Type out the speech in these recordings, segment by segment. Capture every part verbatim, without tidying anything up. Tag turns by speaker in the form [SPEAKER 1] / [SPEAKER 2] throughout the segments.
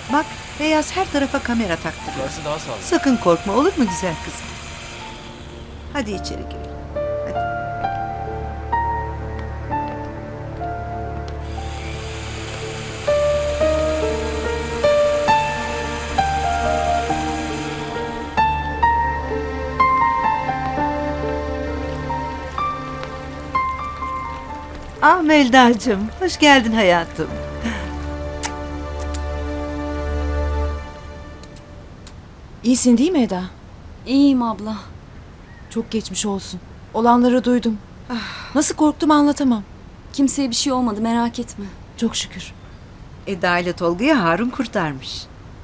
[SPEAKER 1] Bak, Beyaz her tarafa kamera taktırıyor.
[SPEAKER 2] Burası daha sağlıklı.
[SPEAKER 1] Sakın korkma, olur mu güzel kızım? Hadi içeri girelim. Hadi. Ah Melda'cığım, hoş geldin hayatım.
[SPEAKER 3] İyisin değil mi Eda?
[SPEAKER 4] İyiyim abla.
[SPEAKER 3] Çok geçmiş olsun. Olanları duydum. Nasıl korktum anlatamam.
[SPEAKER 4] Kimseye bir şey olmadı, merak etme.
[SPEAKER 3] Çok şükür.
[SPEAKER 1] Eda ile Tolga'yı Harun kurtarmış.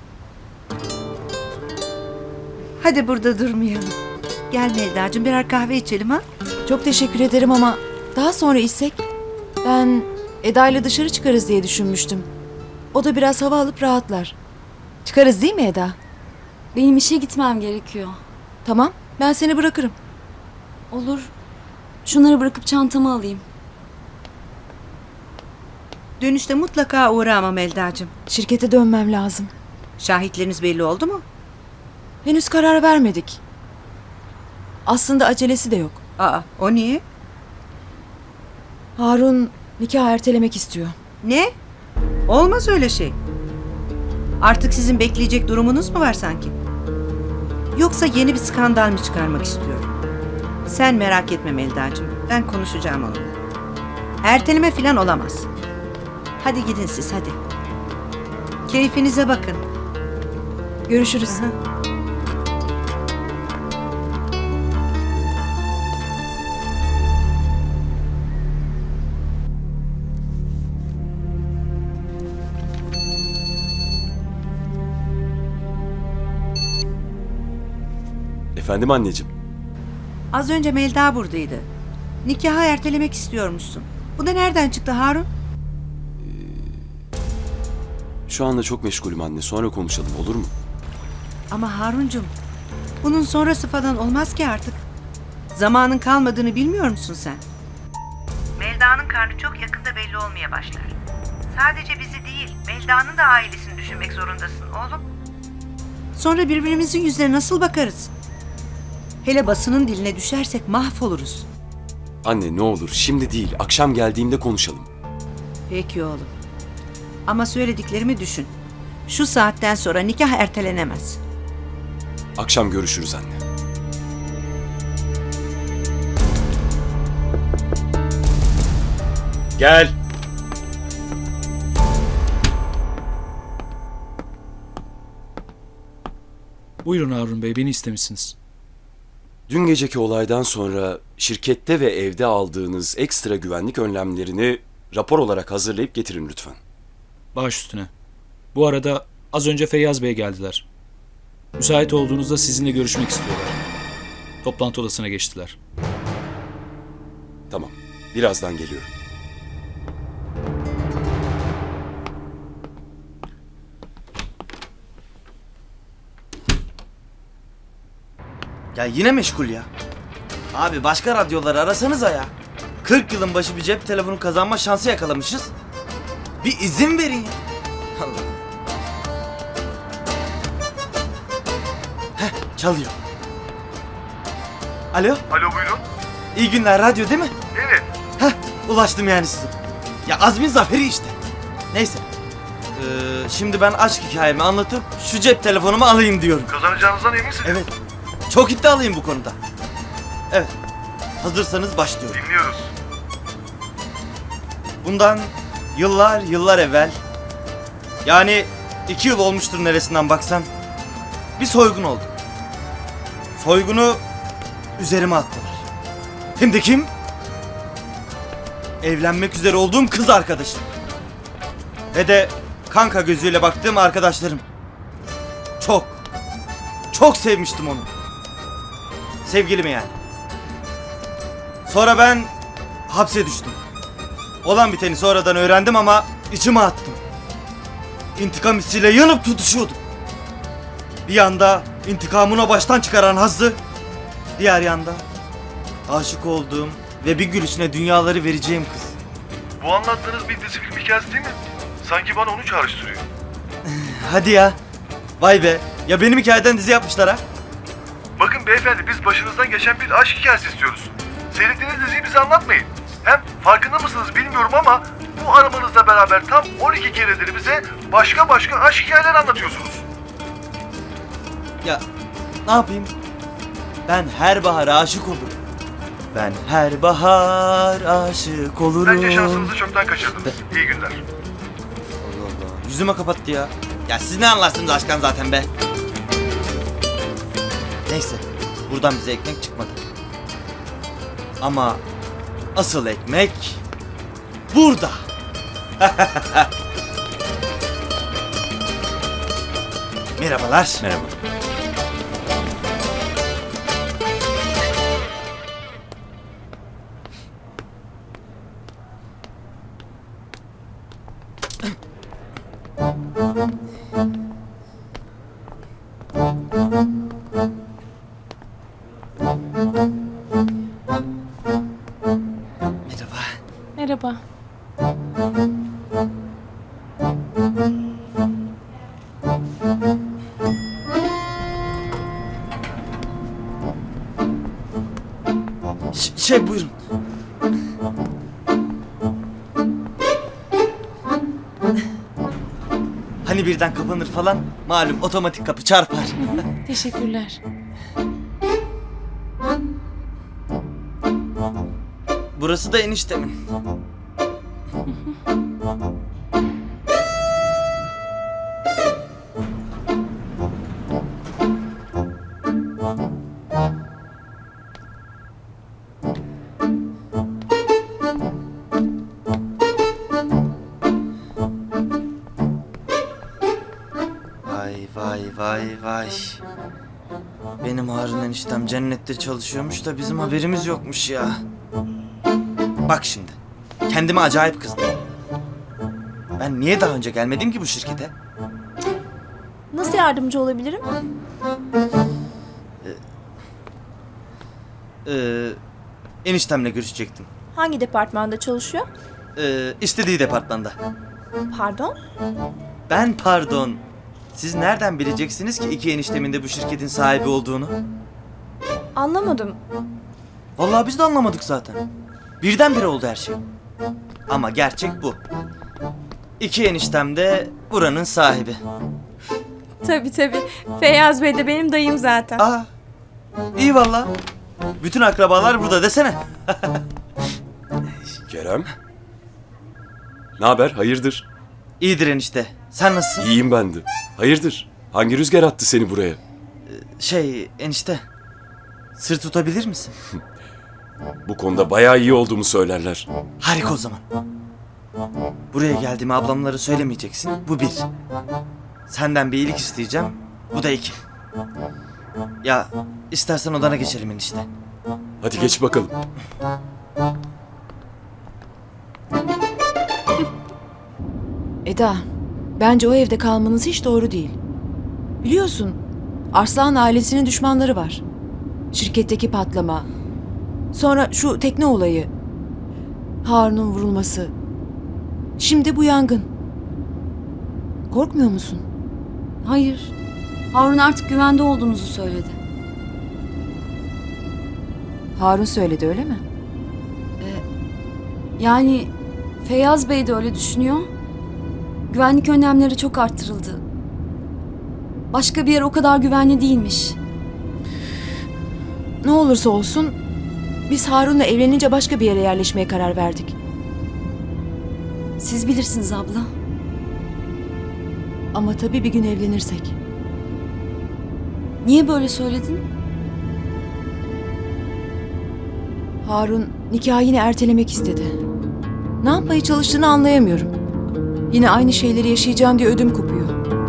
[SPEAKER 1] Hadi burada durmayalım. Gel Melda'cığım, birer kahve içelim ha?
[SPEAKER 3] Çok teşekkür ederim ama daha sonra içsek. Ben Eda ile dışarı çıkarız diye düşünmüştüm. O da biraz hava alıp rahatlar. Çıkarız değil mi Eda?
[SPEAKER 4] Benim işe gitmem gerekiyor.
[SPEAKER 3] Tamam, ben seni bırakırım.
[SPEAKER 4] Olur. Şunları bırakıp çantamı alayım.
[SPEAKER 1] Dönüşte mutlaka uğra ama Melda'cığım.
[SPEAKER 3] Şirkete dönmem lazım.
[SPEAKER 1] Şahitleriniz belli oldu mu?
[SPEAKER 3] Henüz karar vermedik. Aslında acelesi de yok.
[SPEAKER 1] Aa, o niye?
[SPEAKER 3] Harun nikah ertelemek istiyor.
[SPEAKER 1] Ne? Olmaz öyle şey. Artık sizin bekleyecek durumunuz mu var sanki? Yoksa yeni bir skandal mı çıkarmak istiyor? Sen merak etme Melda'cığım. Ben konuşacağım onunla. Erteleme falan olamaz. Hadi gidin siz, hadi. Keyfinize bakın.
[SPEAKER 3] Görüşürüz.
[SPEAKER 1] Hı.
[SPEAKER 2] Efendim anneciğim.
[SPEAKER 1] Az önce Melda buradaydı. Nikahı ertelemek istiyormuşsun. Bu da nereden çıktı Harun?
[SPEAKER 2] Şu anda çok meşgulüm anne. Sonra konuşalım, olur mu?
[SPEAKER 1] Ama Haruncum, bunun sonrası falan olmaz ki artık. Zamanın kalmadığını bilmiyor musun sen? Melda'nın karnı çok yakında belli olmaya başlar. Sadece bizi değil, Melda'nın da ailesini düşünmek zorundasın oğlum. Sonra birbirimizin yüzüne nasıl bakarız? Hele basının diline düşersek mahvoluruz.
[SPEAKER 2] Anne ne olur şimdi değil. Akşam geldiğimde konuşalım.
[SPEAKER 1] Peki oğlum. Ama söylediklerimi düşün. Şu saatten sonra nikah ertelenemez.
[SPEAKER 2] Akşam görüşürüz anne. Gel.
[SPEAKER 5] Buyurun Harun Bey, beni istemişsiniz.
[SPEAKER 2] Dün geceki olaydan sonra şirkette ve evde aldığınız ekstra güvenlik önlemlerini rapor olarak hazırlayıp getirin lütfen.
[SPEAKER 5] Baş üstüne. Bu arada az önce Feyyaz Bey geldiler. Müsait olduğunuzda sizinle görüşmek istiyorlar. Toplantı odasına geçtiler.
[SPEAKER 2] Tamam. Birazdan geliyorum.
[SPEAKER 6] Ya yine meşgul ya. Abi başka radyoları arasanıza ya. kırk yılın başı bir cep telefonu kazanma şansı yakalamışız. Bir izin verin ya. Allah. Heh, çalıyor. Alo?
[SPEAKER 7] Alo buyurun.
[SPEAKER 6] İyi günler, radyo değil mi?
[SPEAKER 7] Evet.
[SPEAKER 6] Heh, ulaştım yani size. Ya Azmin zaferi işte. Neyse. Ee, şimdi ben aşk hikayemi anlatıp şu cep telefonumu alayım diyorum.
[SPEAKER 7] Kazanacağınızdan eminsiniz.
[SPEAKER 6] Evet. Çok iddialıyım bu konuda. Evet. Hazırsanız başlıyorum.
[SPEAKER 7] Dinliyoruz.
[SPEAKER 6] Bundan yıllar yıllar evvel, yani iki yıl olmuştur neresinden baksan, bir soygun oldu. Soygunu üzerime attılar. Hem de kim? Evlenmek üzere olduğum kız arkadaşım. Ve de kanka gözüyle baktığım arkadaşlarım. Çok, çok sevmiştim onu. Sevgilimi yani. Sonra ben hapse düştüm. Olan biteni sonradan öğrendim ama içime attım. İntikam hissiyle yanıp tutuşuyordum. Bir yanda intikamını baştan çıkaran hazzı, diğer yanda aşık olduğum ve bir gülüşüne dünyaları vereceğim kız.
[SPEAKER 7] Bu anlattığınız bir dizi film hikayesi değil mi? Sanki bana onu çağrıştırıyor.
[SPEAKER 6] Hadi ya. Vay be. Ya benim hikayeden dizi yapmışlar ha.
[SPEAKER 7] Bakın beyefendi biz başınızdan geçen bir aşk hikayesi istiyoruz. Seyrettiğiniz diziyi bize anlatmayın. Hem farkında mısınız bilmiyorum ama bu aramanızla beraber tam on iki keredir bize başka başka aşk hikayeleri anlatıyorsunuz.
[SPEAKER 6] Ya ne yapayım? Ben her bahar aşık olurum. Ben her bahar aşık olurum.
[SPEAKER 7] Bence şansınızı çoktan kaçırdınız. İyi günler.
[SPEAKER 6] Allah Allah. Yüzüme kapattı ya. Ya siz ne anlarsınız aşktan zaten be. Neyse. Buradan bize ekmek çıkmadı. Ama asıl ekmek burada. Merhabalar.
[SPEAKER 2] Merhaba.
[SPEAKER 6] Merhaba.
[SPEAKER 8] Merhaba.
[SPEAKER 6] Ş- şey buyurun. Hani birden kapanır falan, malum otomatik kapı çarpar.
[SPEAKER 8] Teşekkürler.
[SPEAKER 6] Burası da eniştemin. Vay vay vay vay. Benim Harun eniştem cennette çalışıyormuş da bizim haberimiz yokmuş ya. Bak şimdi. Kendime acayip kızdım. Ben niye daha önce gelmedim ki bu şirkete?
[SPEAKER 8] Nasıl yardımcı olabilirim?
[SPEAKER 6] Ee, eniştemle görüşecektim.
[SPEAKER 8] Hangi departmanda çalışıyor?
[SPEAKER 6] Ee, istediği departmanda.
[SPEAKER 8] Pardon?
[SPEAKER 6] Ben pardon. Siz nereden bileceksiniz ki iki eniştemin de bu şirketin sahibi olduğunu?
[SPEAKER 8] Anlamadım.
[SPEAKER 6] Vallahi biz de anlamadık zaten. Birdenbire oldu her şey. Ama gerçek bu. İki eniştem de buranın sahibi.
[SPEAKER 8] Tabii tabii. Feyyaz Bey de benim dayım zaten.
[SPEAKER 6] Aa, iyi valla. Bütün akrabalar burada desene.
[SPEAKER 2] Kerem? Ne haber? Hayırdır?
[SPEAKER 6] İyidir enişte. Sen nasılsın?
[SPEAKER 2] İyiyim ben de. Hayırdır? Hangi rüzgar attı seni buraya?
[SPEAKER 6] Şey enişte. Sır tutabilir misin?
[SPEAKER 2] Bu konuda bayağı iyi olduğumu söylerler.
[SPEAKER 6] Harika o zaman. Buraya geldiğimi ablamlara söylemeyeceksin. Bu bir. Senden bir iyilik isteyeceğim. Bu da iki. Ya istersen odana geçelim enişte.
[SPEAKER 2] Hadi geç bakalım.
[SPEAKER 3] Eda, bence o evde kalmanız hiç doğru değil. Biliyorsun, Arslan ailesinin düşmanları var. Şirketteki patlama, sonra şu tekne olayı, Harun'un vurulması, şimdi bu yangın. Korkmuyor musun?
[SPEAKER 4] Hayır. Harun artık güvende olduğunuzu söyledi.
[SPEAKER 3] Harun söyledi öyle mi?
[SPEAKER 4] Yani Feyyaz Bey de öyle düşünüyor. Güvenlik önlemleri çok arttırıldı. Başka bir yer o kadar güvenli değilmiş.
[SPEAKER 3] Ne olursa olsun, biz Harun'la evlenince başka bir yere yerleşmeye karar verdik.
[SPEAKER 4] Siz bilirsiniz abla.
[SPEAKER 3] Ama tabii bir gün evlenirsek.
[SPEAKER 4] Niye böyle söyledin?
[SPEAKER 3] Harun nikahı yine ertelemek istedi. Ne yapmaya çalıştığını anlayamıyorum. Yine aynı şeyleri yaşayacağım diye ödüm kopuyor.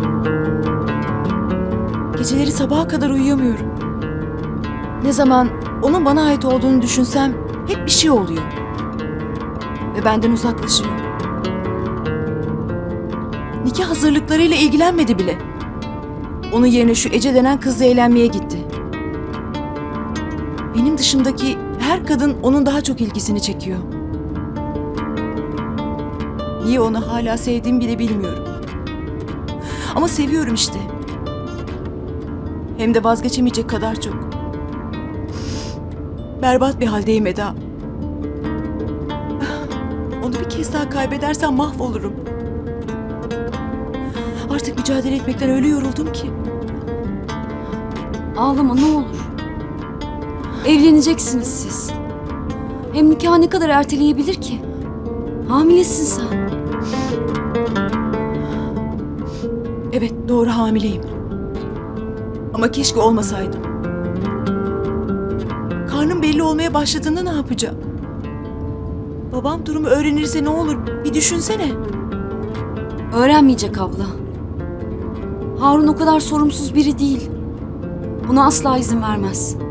[SPEAKER 3] Geceleri sabaha kadar uyuyamıyorum. Ne zaman onun bana ait olduğunu düşünsem hep bir şey oluyor. Ve benden uzaklaşıyor. Nikah hazırlıklarıyla ilgilenmedi bile. Onun yerine şu Ece denen kızla eğlenmeye gitti. Benim dışımdaki her kadın onun daha çok ilgisini çekiyor. Niye onu hala sevdiğimi bile bilmiyorum. Ama seviyorum işte. Hem de vazgeçemeyecek kadar çok. Berbat bir haldeyim Eda. Onu bir kez daha kaybedersem mahvolurum. Artık mücadele etmekten öyle yoruldum ki.
[SPEAKER 4] Ağlama ne olur. Evleneceksiniz siz. Hem nikah ne kadar erteleyebilir ki? Hamilesin sen.
[SPEAKER 3] Evet, doğru hamileyim. Ama keşke olmasaydım. Karnım belli olmaya başladığında ne yapacağım? Babam durumu öğrenirse ne olur bir düşünsene.
[SPEAKER 4] Öğrenmeyecek abla. Harun o kadar sorumsuz biri değil. Buna asla izin vermez.